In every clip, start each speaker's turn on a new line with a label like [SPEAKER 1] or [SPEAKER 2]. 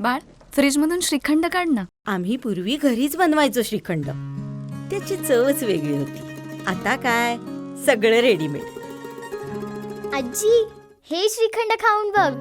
[SPEAKER 1] बाळ, फ्रीजमधून श्रीखंड काढ ना.
[SPEAKER 2] आम्ही पूर्वी घरीच बनवायचो श्रीखंड. त्याची चवच वेगळी होती. आता काय सगळं रेडीमेड.
[SPEAKER 3] आजी, हे श्रीखंड खाऊन बघ.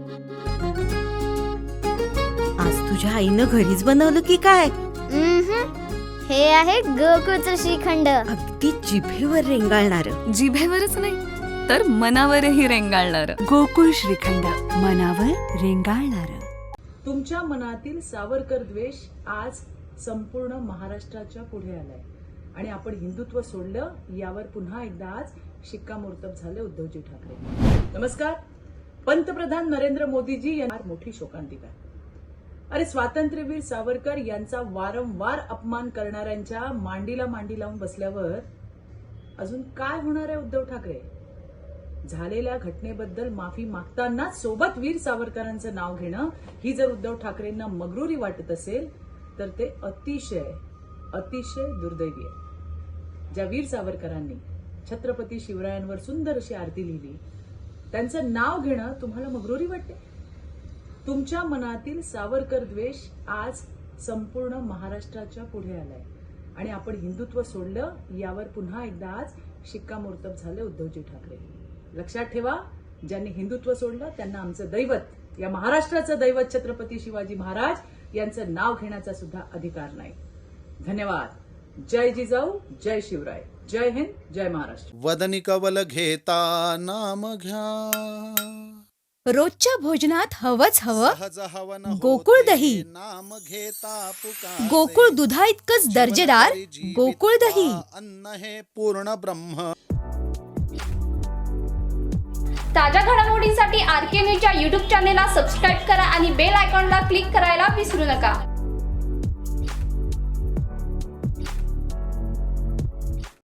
[SPEAKER 2] आज तुझ्या आईनं घरीच बनवलं की काय?
[SPEAKER 3] हे आहे गोकुळचं श्रीखंड.
[SPEAKER 2] अगदी जिभेवर रेंगाळणार.
[SPEAKER 1] जिभेवरच नाही तर मनावरही रेंगाळणार.
[SPEAKER 4] गोकुळ श्रीखंड, मनावर रेंगाळणार.
[SPEAKER 5] तुमच्या मनातील सावरकर द्वेष आज संपूर्ण महाराष्ट्राच्या पुढे आलाय आणि आपण हिंदुत्व सोडलं यावर पुन्हा एकदा आज शिक्कामोर्तब झाले उद्धवजी ठाकरे. नमस्कार. पंतप्रधान नरेंद्र मोदीजी यांना मोठी शोकांतिका. अरे, स्वातंत्र्यवीर सावरकर यांचा वारंवार अपमान करणाऱ्यांच्या मांडीला मांडी लावून बसल्यावर अजून काय होणार आहे उद्धव ठाकरे? झालेल्या घटनेबद्दल माफी मागताना सोबत वीर सावरकरांचं नाव घेणं ही जर उद्धव ठाकरेंना मगरुरी वाटत असेल तर ते अतिशय अतिशय दुर्दैवी आहे. ज्या वीर सावरकरांनी छत्रपती शिवरायांवर सुंदर अशी आरती लिहिली, त्यांचं नाव घेणं तुम्हाला मगरुरी वाटते? तुमच्या मनातील सावरकर द्वेष आज संपूर्ण महाराष्ट्राच्या पुढे आलाय आणि आपण हिंदुत्व सोडलं यावर पुन्हा एकदा आज शिक्कामोर्तब झाले उद्धवजी ठाकरे. लक्षात ठेवा, ज्यांनी हिंदुत्व सोडलं त्यांना आमचं दैवत, या महाराष्ट्राचं दैवत छत्रपती शिवाजी महाराज यांचं नाव घेण्याचा सुद्धा अधिकार नाही. धन्यवाद. जय जिजाऊ, जय शिवराय, जय हिंद, जय महाराष्ट्र.
[SPEAKER 6] वदनी कवल घेता नाम घ्या,
[SPEAKER 7] रोजच्या भोजनात हवंच हवं
[SPEAKER 6] सहज हवन
[SPEAKER 7] गोकुळ दही.
[SPEAKER 6] नाम घेता पुकारे,
[SPEAKER 7] गोकुळ दुधा इतकंच दर्जेदार गोकुळ दही.
[SPEAKER 6] अन्न हे पूर्ण ब्रह्म.
[SPEAKER 8] ताज्या घडामोडींसाठी RK न्यूजच्या YouTube चॅनेलला सबस्क्राईब करा आणि बेल आयकॉनला क्लिक करायला विसरू नका.